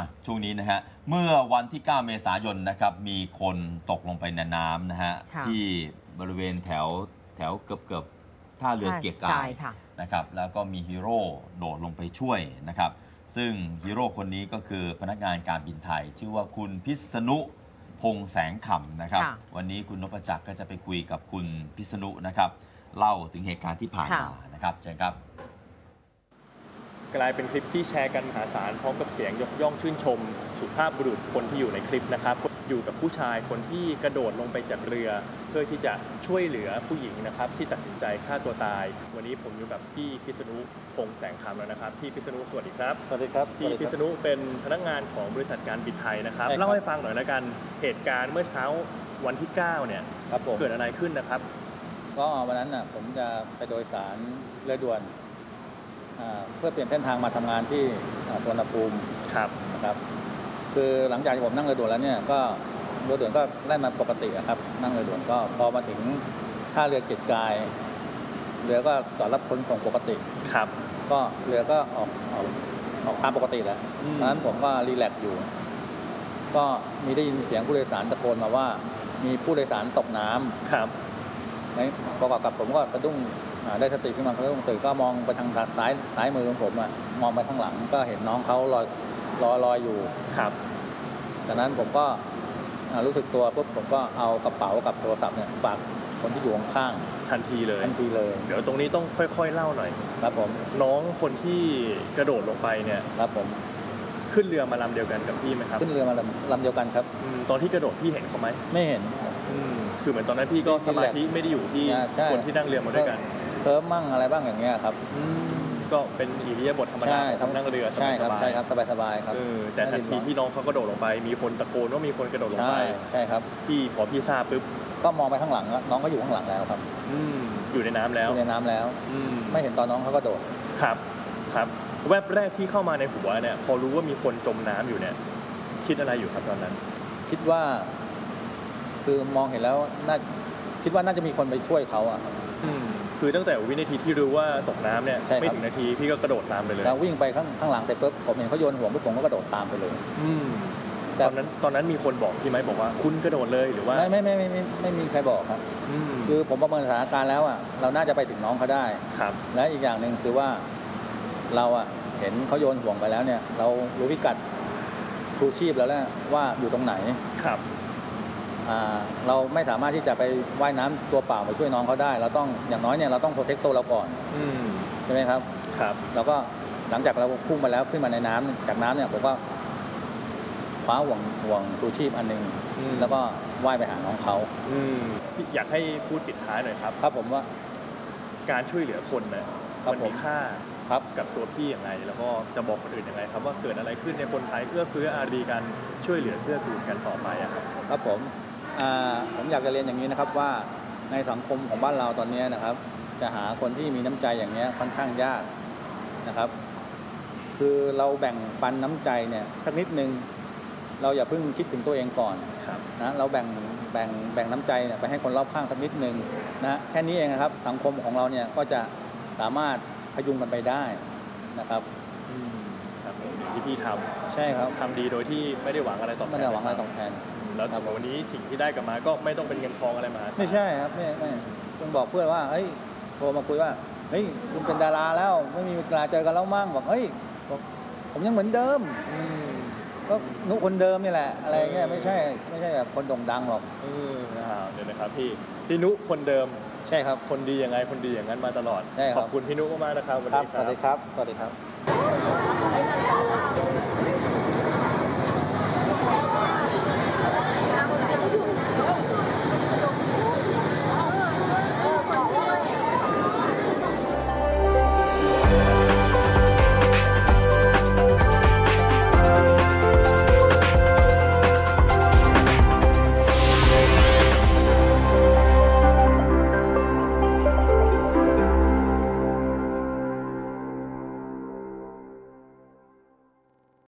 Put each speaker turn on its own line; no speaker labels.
ช่วงนี้นะฮะเมื่อวันที่ 9 เมษายนนะครับมีคนตกลงไปในน้ำนะฮะที่บริเวณแถวเกือบท่าเรือเกียรติกายนะครับแล้วก็มีฮีโร่โดดลงไปช่วยนะครับซึ่งฮีโร่คนนี้ก็คือพนักงานการบินไทยชื่อว่าคุณพิษณุพงษ์แสงขำนะครับวันนี้คุณนพจักรก็จะไปคุยกับคุณพิษณุนะครับเล่าถึงเหตุการณ์ที่ผ่านมานะครับเชิญครับ
กลายเป็นคลิปที่แชร์กันมหาศาลพร้อมกับเสียงยกย่องชื่นชมสุภาพบุรุษคนที่อยู่ในคลิปนะครับอยู่กับผู้ชายคนที่กระโดดลงไปจากเรือเพื่อที่จะช่วยเหลือผู้หญิงนะครับที่ตัดสินใจฆ่าตัวตายวันนี้ผมอยู่กับพี่พิษณุพงษ์แสงคำแล้วนะครับพี่พิษณุสวัสดีครับ
สวัสดีครับ
พี่พิษณุเป็นพนักงานของบริษัทการบินไทยนะครับเล่าให้ฟังหน่อยละกันเหตุการณ์เมื่อเช้าวันที่9เนี่ยเกิดอะไรขึ้นนะครับ
ก็วันนั้นผมจะไปโดยสารเรือด่วนเพื่อเปลี่ยนเส้นทางมาทำงานที่สุวรรณภูมินะครับคือหลังจากที่ผมนั่งเรือด่วนแล้วเนี่ยก็เรือด่วนก็แล่นมาปกติครับนั่งเรือด่วนก็พอมาถึงท่าเรือเกียรติกายเรือก็จอดรับคนส่งปกติ
ครับ
ก็เรือก็ออกตามปกติแหละตอนนั้นผมก็รีแลกซ์อยู่ก็มีได้ยินเสียงผู้โดยสารตะโกนมาว่ามีผู้โดยสารตกน้ำ
ครับ
ประกอบกับผมก็สะดุ้งได้สติขึ้นมาเขาต้องตื่นก็มองไปทางซ้ายมือของผมมองไปข้างหลังก็เห็นน้องเขาลอยอยู่
ครับ
จากนั้นผมก็รู้สึกตัวปุ๊บผมก็เอากระเป๋ากับโทรศัพท์เนี่ยฝากคนที่อยู่ข้าง
ๆทันทีเลย
เ
ดี๋ยวตรงนี้ต้องค่อยๆเล่าหน่อย
ครับผม
น้องคนที่กระโดดลงไปเนี่ย
ครับผม
ขึ้นเรือมาลำเดียวกันกับพี่ไหมครับ
ขึ้นเรือมาลำเดียวกันครับ
ตอนที่กระโดดพี่เห็นเขาไหม
ไม่เห็น
คือเหมือนตอนนั้นพี่ก็สมาธิไม่ได้อยู่ที่คนที่นั่งเรือมาด้วยกัน
เคิร์ฟมั่งอะไรบ้างอย่างเงี้ยครับ
ก็เป็นอิริยาบถธรรมดาของนั่งเรือสบาย
ใช่ครับสบายครับ
แต่ทันทีที่น้องเขากระโดดลงไปมีคนตะโกนว่ามีคนกระโดดลงไป
ใช่ครับ
พอพี่ทราบปุ๊บ
ก็มองไปข้างหลังน้องก็อยู่ข้างหลังแล้วครับ
อยู่ในน้ำแล้ว
ไม่เห็นตอนน้องเขากระโดด
ครับแวบแรกที่เข้ามาในหัวเนี่ยพอรู้ว่ามีคนจมน้ำอยู่เนี่ยคิดอะไรอยู่ครับตอนนั้น
คิดว่าคือมองเห็นแล้วคิดว่าน่าจะมีคนไปช่วยเขา
คือตั้งแต่วินาทีที่รู้ว่าตกน้ำเนี่ยไม่ถึงนาทีพี่ก็กระโดดตามไปเลย
แล้ววิ่งไปข้างหลังเสร็จปุ๊บผมเห็นเขาโยนห่วงปุ๊บผมก็กระโดดตามไปเลย
ตอนนั้นมีคนบอกพี่ไหมบอกว่าคุณกระโดดเลยหรือว่า
ไม่มีใครบอกครับคือผมประเมินสถานการณ์แล้วเราน่าจะไปถึงน้องเขาได้
ครับ
และอีกอย่างหนึ่งคือว่าเราเห็นเขาโยนห่วงไปแล้วเนี่ยเรารู้พิกัดชูชีพแล้วแหละว่าอยู่ตรงไหน
ครับ
เราไม่สามารถที่จะไปว่ายน้ำตัวเปล่าไปช่วยน้องเขาได้เราต้องอย่างน้อยเนี่ยเราต้องโปรเทคตัวเราก่อนใช่ไหมครับเราก็หลังจากเราพุ่งมาแล้วขึ้นมาในน้ำจากน้ำเนี่ยผมก็คว้าห่วงชูชีพอันนึงแล้วก็ว่ายไปหาน้องเขา
อยากให้พูดปิดท้ายหน่อยครับ
ครับผมว่า
การช่วยเหลือคนเนี่ยมันมีค่ากับตัวพี่อย่างไรแล้วก็จะบอกคนอื่นยังไงครับว่าเกิดอะไรขึ้นในคนไทยเอื้อเฟื้ออารีกันช่วยเหลือเพื่อกูลกันต่อไป
ครับผมอยากจะเรียนอย่างนี้นะครับว่าในสังคมของบ้านเราตอนนี้นะครับจะหาคนที่มีน้ำใจอย่างนี้ค่อนข้างยากนะครับคือเราแบ่งปันน้ำใจเนี่ยสักนิดนึงเราอย่าเพิ่งคิดถึงตัวเองก่อนนะเราแบ่งน้ำใจไปให้คนรอบข้างสักนิดนึงนะแค่นี้เองนะครับสังคมของเราเนี่ยก็จะสามารถพยุงกันไปได้นะครับ
ที่พี่ท
ำใช่ครับ
ทำดีโดยที่ไม่ได้หวังอะไรตอบแทนแล้วถึงวันนี้สิ่งที่ได้กลับมาก็ไม่ต้องเป็นเงินทองอะไรมา
ไม่ใช่ครับไม่ต้องบอกเพื่อนว่าเฮ้ยโทรมาคุยว่าเฮ้ยคุณเป็นดาราแล้วไม่มีเวลาเจอกันแล้วมั่งบอกเฮ้ยผมยังเหมือนเดิมก็นุคนเดิมนี่แหละอะไรเงี้ยไม่ใช่แบบคนโด่งดังหรอก
เดี๋ยวนะครับพี่นุคนเดิม
ใช่ครับ
คนดียังไงคนดีอย่างนั้นมาตลอด
ข
อบคุณพี่นุมากๆนะครับ
สวัสดีครับ